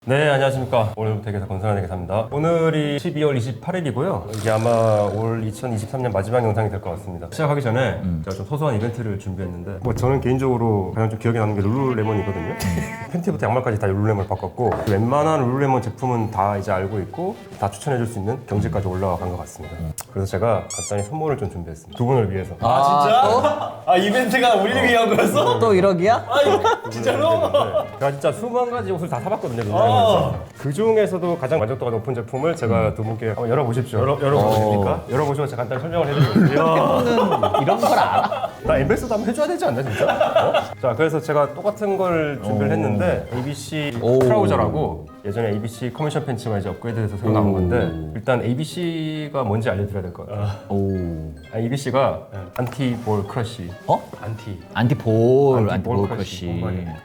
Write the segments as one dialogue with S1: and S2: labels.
S1: 네, 안녕하십니까. 오늘부터 대개사 권선환 대개사입니다. 오늘이 12월 28일이고요. 이게 아마 올 2023년 마지막 영상이 될 것 같습니다. 시작하기 전에 제가 좀 소소한 이벤트를 준비했는데 저는 개인적으로 가장 좀 기억에 남는 게 룰루레몬이거든요. 팬티부터 양말까지 다 룰루레몬을 바꿨고 웬만한 룰루레몬 제품은 다 이제 알고 있고 다 추천해줄 수 있는 경지까지 올라간 것 같습니다. 그래서 제가 간단히 선물을 좀 준비했습니다. 두 분을 위해서.
S2: 진짜? 아 이벤트가 우리를 위한 거였어?
S3: 또 1억이야?
S2: 진짜로?
S1: 제가 진짜 수만 가지 옷을 다 사봤거든요. 그 중에서도 가장 만족도가 높은 제품을 제가 두 분께 한번 열어보십시오. 열어보도 됩니까? 열어보시고 제가 간단히 설명을 해드릴게요.
S3: 너는 이런 걸 알아?
S1: 나 엠베서도 한번 해줘야 되지 않나 진짜? 자, 그래서 제가 똑같은 걸 준비를 했는데 ABC 트라우저라고 예전에 ABC 커미션 팬츠가 이제 업그레이드돼서 새로 나온 건데 일단 ABC가 뭔지 알려드려야 될 것 같아요. ABC가 안티볼 크러쉬.
S3: 안티볼
S1: 안티볼
S3: 크러쉬.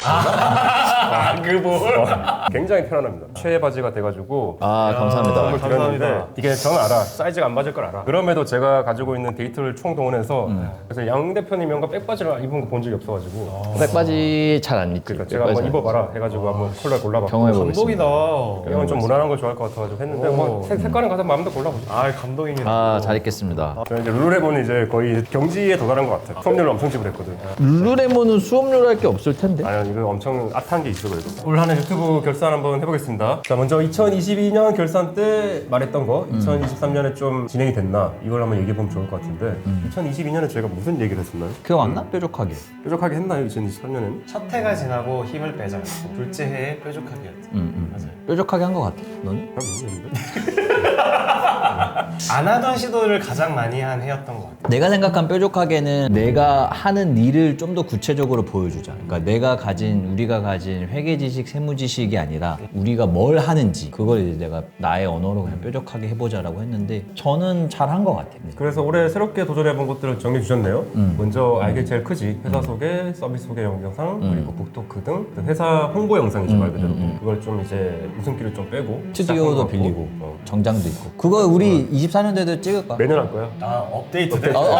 S1: 그 볼. 굉장히 편안합니다. 최애 바지가 돼가지고
S3: 감사합니다.
S1: 선물 드렸는데
S2: 감사합니다.
S1: 이게 저는 알아. 사이즈가 안 맞을 걸 알아. 그럼에도 제가 가지고 있는 데이터를 총동원해서 그래서 양 대표님 형과 백바지를 입은 거 본 적이 없어가지고
S3: 백바지 잘 안 입지.
S1: 그러니까 제가 한번 입어봐라 해가지고 한번 컬러 골라봤고
S3: 경험해보겠습니다.
S2: 감동이다.
S1: 형은 좀 무난한 걸 좋아할 것 같아가지고 했는데 뭐 색깔은 가서 마음대로 골라보죠.
S2: 아 감동입니다.
S3: 잘 입겠습니다.
S1: 저는 이제 룰루레몬은 이제 거의 경지에 도달한 것 같아요. 수업료를 엄청 지불했거든.
S3: 룰루레몬은 수업료로 할 게 없을 텐데.
S1: 아니 이거 엄청 핫한 게 있어 그래도. 올 한 해 유튜브 결산 한번 해보겠습니다. 자 먼저 2022년 결산 때 말했던 거 2023년에 좀 진행이 됐나 이걸 한번 얘기해보면 좋을 것 같은데 2022년에 저희가 무슨 얘기를 했었나요?
S3: 기억 안 나? 뾰족하게.
S1: 뾰족하게 했나요 2023년에는?
S2: 첫 해가 지나고 힘을 빼자였고 둘째 해에 뾰족하게였죠. 맞아요.
S3: 뾰족하게 한 것 같아. 너는?
S1: 잘 모르겠는데?
S2: 안 하던 시도를 가장 많이 한 해였던 것 같아요.
S3: 내가 생각한 뾰족하게는 내가 하는 일을 좀 더 구체적으로 보여주자. 그러니까 우리가 가진 회계 지식, 세무 지식이 아니라 우리가 뭘 하는지 그걸 이제 내가 나의 언어로 그냥 뾰족하게 해보자라고 했는데 저는 잘 한 것 같아요.
S1: 그래서 올해 새롭게 도전해본 것들을 정리해 주셨네요. 먼저 알게 제일 크지 회사 소개, 서비스 소개 영상 그리고 북토크 등 회사 홍보 영상이죠 말 그대로. 그걸 좀 이제 웃음기를 좀 빼고
S3: 스튜디오도
S1: 시작한 것
S3: 빌리고
S1: 같고.
S3: 정장도 있고 그거 우리 24년도에도 찍을까?
S1: 매년 할 거야.
S2: 업데이트.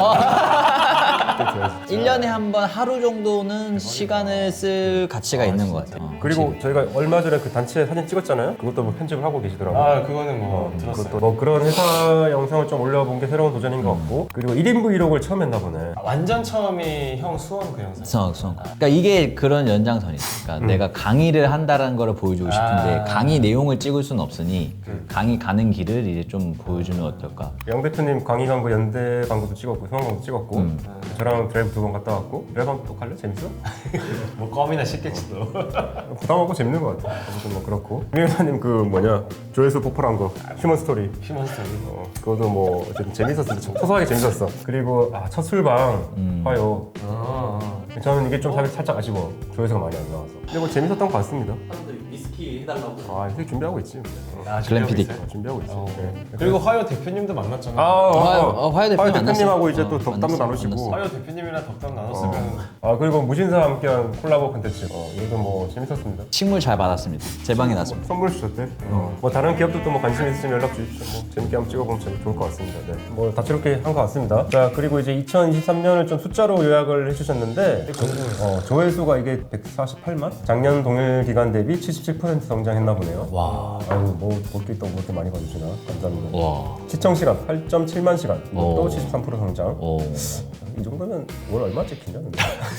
S3: 1년에 한 번 하루 정도는 시간을 쓸 가치가 있는 것 같아요.
S1: 그리고 저희가 얼마 전에 그 단체 사진 찍었잖아요. 그것도 뭐 편집을 하고 계시더라고요.
S2: 그거는 뭐 들었어요.
S1: 그것도 뭐 그런 회사 영상을 좀 올려본 게 새로운 도전인 것 같고 그리고 1인 브이로그를 처음 했나 보네.
S2: 완전 처음이 형 수원 그 영상.
S3: 그러니까 이게 그런 연장선이죠. 그러니까 내가 강의를 한다는 걸 보여주고 싶은데 강의 내용을 찍을 수는 없으니 강의 가는 길을 이제 좀 보여주면 어떨까?
S1: 양 대표님 강의 간 거 연대 광고도 찍었고 성황광도 찍었고 저랑 드라이브 2번 갔다 왔고 드라이브 한번 또 갈래? 재밌어?
S2: 뭐 껌이나 씻겠지도.
S1: 부담하고 재밌는 것 같아. 아무튼 뭐 그렇고 임 회사님 그 뭐냐 조회수 폭발한 거 휴먼 스토리
S2: 휴먼 스토리.
S1: 그것도 뭐 어쨌든 재밌었어. 소소하게 재밌었어. 그리고 첫 술방 화요. 저는 이게 좀 살짝 아쉬워. 조회수가 많이 안 나와서. 근데 뭐 재밌었던 것 같습니다.
S4: 사람들이 위스키 해달라고.
S1: 이렇게 준비하고 있지.
S3: 글램피딕.
S1: 준비하고 있지. 네.
S2: 그리고 화요 대표님도 만났잖아.
S3: 화요 대표님
S1: 대표님하고
S3: 만났어.
S1: 이제 또 덕담도 나누시고.
S3: 만났어.
S2: 화요 대표님이랑 덕담 나눴으면
S1: 그리고 무신사 함께한 콜라보 콘텐츠. 이것도 뭐 재밌었습니다.
S3: 식물 잘 받았습니다. 제 방에 놨습니다.
S1: 선물 주셨대. 뭐 다른 기업들도 뭐 관심 있으시면 연락 주십시오. 뭐 재밌게 한번 찍어보면 좋을 것 같습니다. 네. 뭐 다채롭게 한 것 같습니다. 자 그리고 이제 2023년을 좀 숫자로 요약을 해주셨는데 조회수가 이게 148만? 작년 동일 기간 대비 77% 성장했나 보네요.
S3: 와.
S1: 아유 뭐 볼게 또 그렇게 많이 봐주시나 감사합니다.
S3: 와.
S1: 시청 시간 8.7만 시간. 또
S3: 오.
S1: 73% 성장.
S3: 오.
S1: 이 정도면 월 얼마 찍히냐 근데.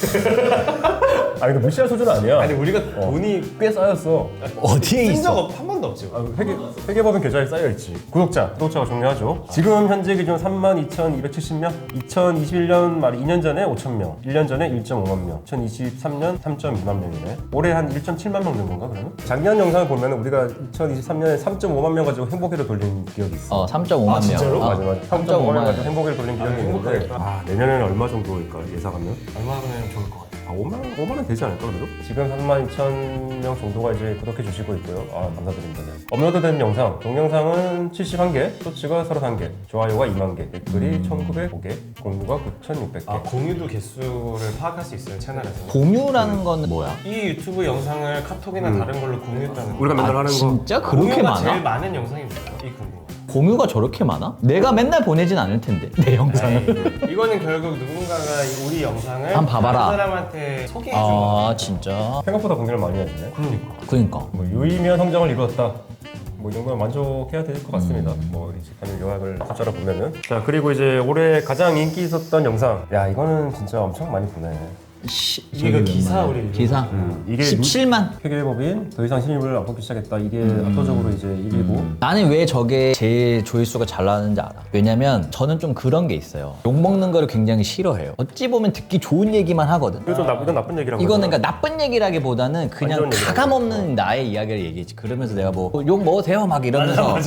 S1: 아니 이거 무시할 수준 아니야.
S2: 아니 우리가
S1: 돈이 꽤 쌓였어.
S3: 어디에
S2: 쓴 적
S3: 있어?
S2: 한 번도 없지.
S1: 회계법인 계좌에 쌓여있지. 구독자가 중요하죠. 지금 현재 기준 32,270명, 2021년 말 2년 전에 5,000명, 1년 전에 1.5만 명, 2023년 3.2만 명이네. 올해 한 1.7만 명 된 건가 그러면? 작년 영상을 보면 우리가 2023년에 3.5만 명 가지고 행복회를 돌린 기억이 있어.
S3: 3.5만 명.
S2: 진짜로?
S1: 맞아. 3.5만 명 가지고 행복회를 돌린 기억이 있는데
S2: 행복하겠다.
S1: 내년에는 얼마 정도일까 예상하면?
S2: 얼마나 좋을 것 같아.
S1: 5만 원 되지 않을까 그래도? 지금 32,000명 정도가 이제 구독해 주시고 있고요. 감사드립니다. 네. 업로드된 영상, 동영상은 71개, 쇼츠가 31개, 좋아요가 2만 개, 댓글이 1,905개, 공유가 9,600개.
S2: 공유도 개수를 파악할 수 있어요 채널에서.
S3: 공유라는 거는 뭐야?
S2: 이 유튜브 영상을 카톡이나 다른 걸로 공유했다는 거.
S1: 우리가 맨날 하는 거.
S3: 진짜 그렇게
S2: 공유가
S3: 많아?
S2: 제일 많은 영상입니다. 이 궁금해.
S3: 공유가 저렇게 많아? 내가 맨날 보내진 않을 텐데 내 영상을.
S2: 이거는 결국 누군가가 우리 영상을
S3: 한번 봐봐라.
S2: 다른 사람한테 소개해 준 거야.
S3: 아 진짜?
S1: 생각보다 공개를 많이 하시네.
S3: 그러니까.
S1: 뭐 유의미한 성장을 이루었다. 뭐 이 정도면 만족해야 될 것 같습니다. 뭐 이제 가는 요약을 숫자로 보면은. 자 그리고 이제 올해 가장 인기 있었던 영상. 야 이거는 진짜 엄청 많이 보네.
S2: 이게 그 기사 우리
S3: 기사
S1: 이게
S3: 17만.
S1: 회계법인 더 이상 신입을 안 뽑기 시작했다. 이게 압도적으로 이제 1위고.
S3: 나는 왜 저게 제일 조회수가 잘 나왔는지 알아. 왜냐면 저는 좀 그런 게 있어요. 욕 먹는 거를 굉장히 싫어해요. 어찌 보면 듣기 좋은 얘기만 하거든.
S1: 이거 좀 이건 나쁜 얘기라고.
S3: 이거는
S1: 하잖아.
S3: 그러니까 나쁜 얘기라기보다는 그냥
S1: 완전 얘기라고.
S3: 가감 없는 나의 이야기를 얘기했지. 그러면서 내가 뭐 욕 먹으세요 막 이러면서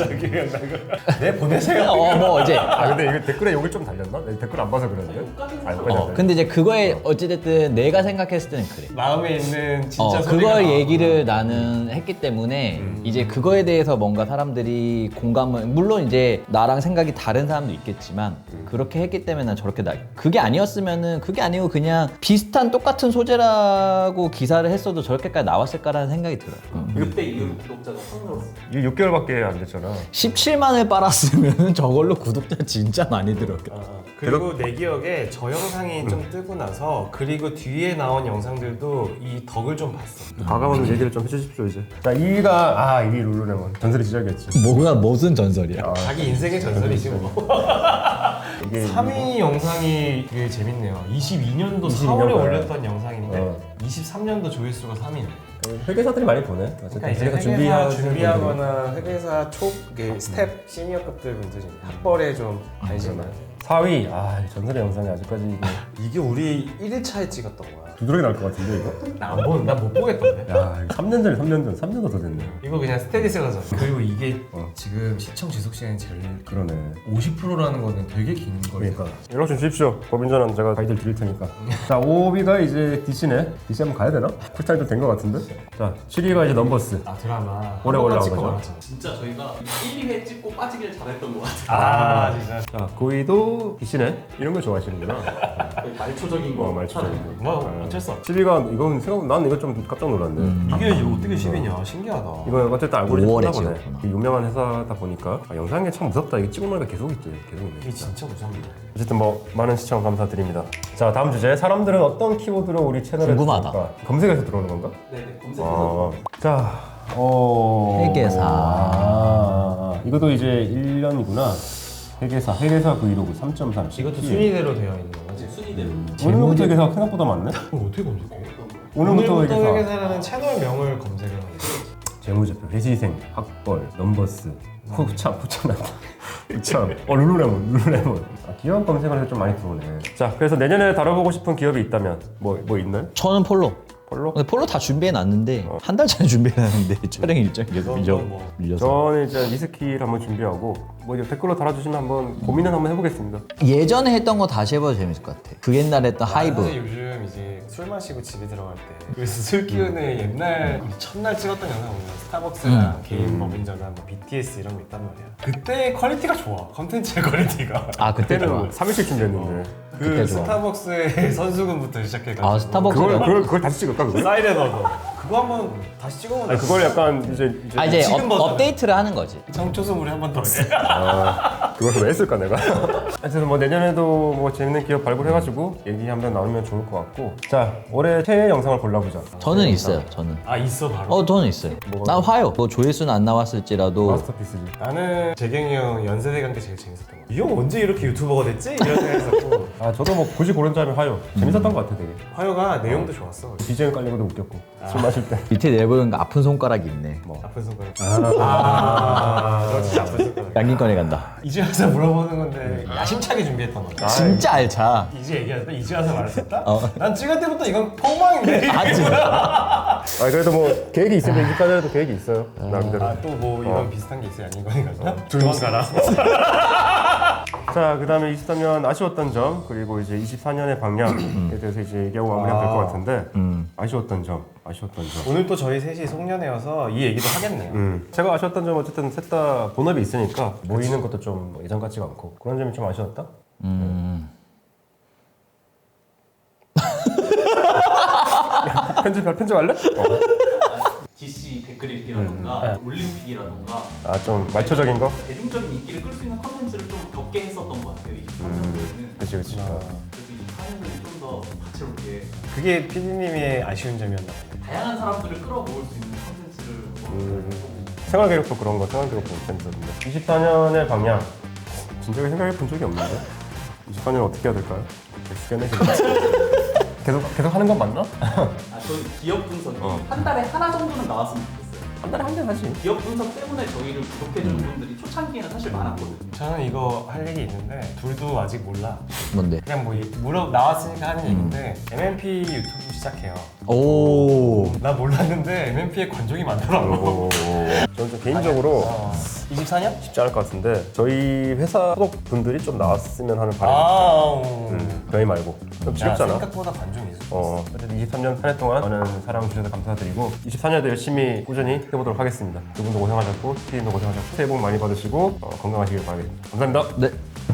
S2: 네 보내세요.
S3: 뭐 이제
S1: 아 근데 이거 댓글에 욕이 좀 달렸나? 내가 댓글 안 봐서 그러는데. 아, 여기까지
S3: 근데 이제 그거에 어찌됐든 내가 생각했을 때는 그래.
S2: 마음에 있는 진짜 소리가
S3: 그걸
S2: 나와.
S3: 얘기를 나는 했기 때문에 이제 그거에 대해서 뭔가 사람들이 공감을 물론 이제 나랑 생각이 다른 사람도 있겠지만 그렇게 했기 때문에 난 저렇게 그게 아니었으면은 그게 아니고 그냥 비슷한 똑같은 소재라고 기사를 했어도 저렇게까지 나왔을까라는 생각이 들어요.
S4: 그때 이후로 구독자가 확 늘었어.
S1: 이게 6개월밖에 안 됐잖아.
S3: 17만을 빨았으면 저걸로 구독자 진짜 많이 들었겠다.
S2: 그리고 내 기억에 저 영상이 좀 뜨고 나서 그리고 뒤에 나온 영상들도 이 덕을 좀 봤어.
S1: 과감한 얘기를 좀 해주십시오 이제. 자 2위가 2위 룰루레몬. 전설의 시작이었지.
S3: 뭐가 무슨 전설이야?
S2: 자기 인생의 전설이지 뭐.
S1: 이게
S2: 3위 영상이 되게 재밌네요. 22년도 4월에
S1: 22년도에.
S2: 올렸던 영상인데
S1: 어.
S2: 23년도 조회수가 3위네.
S1: 회계사들이 많이 보네. 어쨌든
S2: 그러니까 이제
S1: 회계사
S2: 회계사
S1: 준비하는
S2: 준비하거나 회계사 초 스텝 시니어급들 분들 중에 학벌에 좀 관심이 많아요.
S1: 4위. 전설의 영상이 아직까지 이거
S2: 이게 우리 1일차에 찍었던 거야.
S1: 두드러기 날 것 같은데 이거.
S2: 난못 보겠던데.
S1: 야 3년 전에 3년도 더 됐네.
S2: 이거 그냥 스테디스가잖아. 그리고 이게 지금 시청 지속 시간이 제일
S1: 그러네.
S2: 50%라는 거는 되게 긴 거예요.
S1: 그러니까 연락 좀 주십시오. 법인전환 제가 가이드를 드릴 테니까. 자 5위가 이제 DC네. DC 한번 가야 되나? 쿨타임도 된 것 같은데. 자 7위가 이제 넘버스.
S2: 드라마
S1: 올해
S2: 한 번만
S1: 올라온
S2: 찍고
S1: 거죠?
S2: 말았잖아.
S4: 진짜 저희가 1, 2회 찍고 빠지길 잘했던 것 같아요.
S2: 진짜.
S1: 자 9위도 DC네. 이런 거 좋아하시는구나.
S4: 거의 말초적인 거.
S1: 말초적이고.
S2: 뭐 어쩔 수 없지.
S1: 7위가 이건 난 이거 좀 깜짝 놀랐네.
S2: 이게 어떻게 10이냐 신기하다.
S1: 이건 어쨌든 알고리즘
S3: 5월에
S1: 보네.
S3: 찍었구나.
S1: 유명한 회사다 보니까 영상이 참 무섭다. 이게 찍은 거니까 계속 있지. 계속 있네.
S2: 이게 진짜 무섭네.
S1: 어쨌든 뭐 많은 시청 감사드립니다. 자 다음 주제. 사람들은 어떤 키워드로 우리 채널에
S3: 궁금하다.
S1: 들어올까? 검색해서 들어오는 건가?
S4: 네네, 검색해서.
S1: 자,
S3: 회계사.
S1: 이것도 이제 1년이구나. 회계사 브이로그 3.3.
S2: 이것도 순위대로 되어 있는 거지.
S4: 순위대로.
S1: 오늘부터 회계사 생각보다 많네.
S2: 그럼 어떻게 검색해?
S1: 오늘부터 회계사.
S2: 회계사라는 채널명을 검색을 하는 거지.
S1: 재무제표, 회시생, 학벌, 넘버스, 후참 난다. 후참. 룰루레몬. 기업 검색을 해서 좀 많이 들어오네. 자, 그래서 내년에 다뤄보고 싶은 기업이 있다면 뭐 있나요?
S3: 저는 폴로.
S1: 폴로?
S3: 근데 폴로 다 준비해 놨는데 한 달 전에 준비해놨는데 촬영 일정이 계속
S2: 뭐.
S3: 밀려서.
S1: 저는 이제 리스키를 한번 준비하고 뭐 이제 댓글로 달아주시면 한번 고민은 한번 해보겠습니다.
S3: 예전에 했던 거 다시 해봐도 재밌을 것 같아. 그 옛날에 했던
S2: 사실
S3: 하이브.
S2: 요즘 이제 술 마시고 집에 들어갈 때 그래서 술 기운을 옛날 첫날 찍었던 영상 보면 스타벅스랑 개인 법인전환 뭐 BTS 이런 거 있단 말이야. 그때 퀄리티가 좋아. 컨텐츠의 퀄리티가.
S3: 아 그때 좋아.
S1: 그때는 3일씩 준비했는데
S2: 그
S3: 그때 좋아.
S2: 스타벅스의 선수금부터 시작해가지고
S3: 아 스타벅스.
S1: 그걸 다시 찍을까 그걸?
S2: 사이렌 얻어. 그거 한번 다시 찍어보면
S1: 아니 그걸 약간 이제
S3: 아 이제
S2: 지금 버전은.
S3: 업데이트를 하는 거지.
S2: 정초성 우리 한 번 더 해.
S1: 그걸 왜 했을까 내가? 하여튼 뭐 내년에도 뭐 재밌는 기업 발굴해가지고 얘기 한번 나누면 좋을 것 같고. 자 올해 최애 영상을 골라보자.
S3: 저는 있어요. 저는.
S2: 아 있어 바로.
S3: 저는 있어요. 난 화요. 뭐 조회수는 안 나왔을지라도
S1: 마스터피스지.
S2: 나는 재경이 형 연세대 관계 제일 재밌었던 거. 이 형 언제 이렇게 유튜버가 됐지? 이런 생각했었고
S1: 아 저도 뭐 굳이 고른자면 하요. 재밌었던 것 같아 되게.
S2: 화요가 내용도 좋았어.
S1: BGM 깔린 것도 웃겼고 술 마실 때.
S3: 밑에 내보니까 아픈 손가락이 있네.
S2: 아픈 손가락. 너 진짜 아픈 손가락.
S3: 양긴권에 간다.
S2: 이제 와서 물어보는 건데 야심차게 준비했던 거야.
S3: 진짜 알차.
S2: 이제 얘기하다 이제 와서 말했었다?
S3: 어.
S2: 난 찍을 때부터 이건 폭망인데.
S3: 아 진짜.
S1: 아 그래도 뭐 계획이 있으면 이집까지 해도 계획이 있어요. 나름대로.
S2: 또 뭐 이런 비슷한 게 있어요? 아닌 거니까. 조용 가라.
S1: 자, 그 다음에 23년 아쉬웠던 점, 그리고 이제 24년의 방향에 대해서 이제 얘기하고 마무리하면 될 것 같은데, 아쉬웠던 점.
S2: 오늘 또 저희 셋이 송년회여서 이 얘기도 하겠네요.
S1: 제가 아쉬웠던 점 어쨌든 셋 다 본업이 있으니까 모이는 것도 좀 예전 같지가 않고 그런 점이 좀 아쉬웠다? 편집할래?
S4: DC 댓글 읽기라던가 올림픽이라던가
S1: 아, 좀 말초적인 거?
S4: 대중적인 인기를 끌 수 있는 컨텐츠를 좀 적게 했었던 것 같아요. 23년도에는.
S1: 그치, 그치.
S4: 그래서 24년도에 좀 더 다채롭게
S2: 그게 PD님의 아쉬운 점이었나 보네.
S4: 다양한 사람들을 끌어모을 수 있는 컨텐츠를
S1: 생활계획도 그런 거, 생활계획도 재밌었는데. 24년의 방향. 진작에 생각해 본 적이 없는데? 24년 어떻게 해야 될까요? 계속 하는 건 맞나?
S4: 저희 기업 분석이
S1: 어.
S4: 한 달에 하나 정도는 나왔으면 좋겠어요.
S1: 한 달에 한 대 하지.
S4: 기업 분석 때문에 저희를 구독해주는 분들이 초창기에는 사실 많았거든요.
S2: 저는 이거 할 얘기 있는데 둘도 아직 몰라.
S3: 뭔데?
S2: 그냥 뭐 나왔으니까 하는 얘기인데 MMP 유튜브 시작해요.
S3: 오.
S2: 나 몰랐는데 MMP에 관종이 많더라고.
S1: 저는 좀 개인적으로
S2: 24년?
S1: 쉽지 않을 것 같은데 저희 회사 소속 분들이 좀 나왔으면 하는 바람이 있어요. 저희 말고 좀 지겹잖아.
S2: 생각보다 관종이 있어.
S1: 어쨌든 23년 한 해 동안 많은 사랑 주셔서 감사드리고 24년에도 열심히 꾸준히 해보도록 하겠습니다. 두 분도 고생하셨고 피디님도 고생하셨고 새해 복 많이 받으시고 건강하시길 바라겠습니다. 감사합니다.
S3: 네.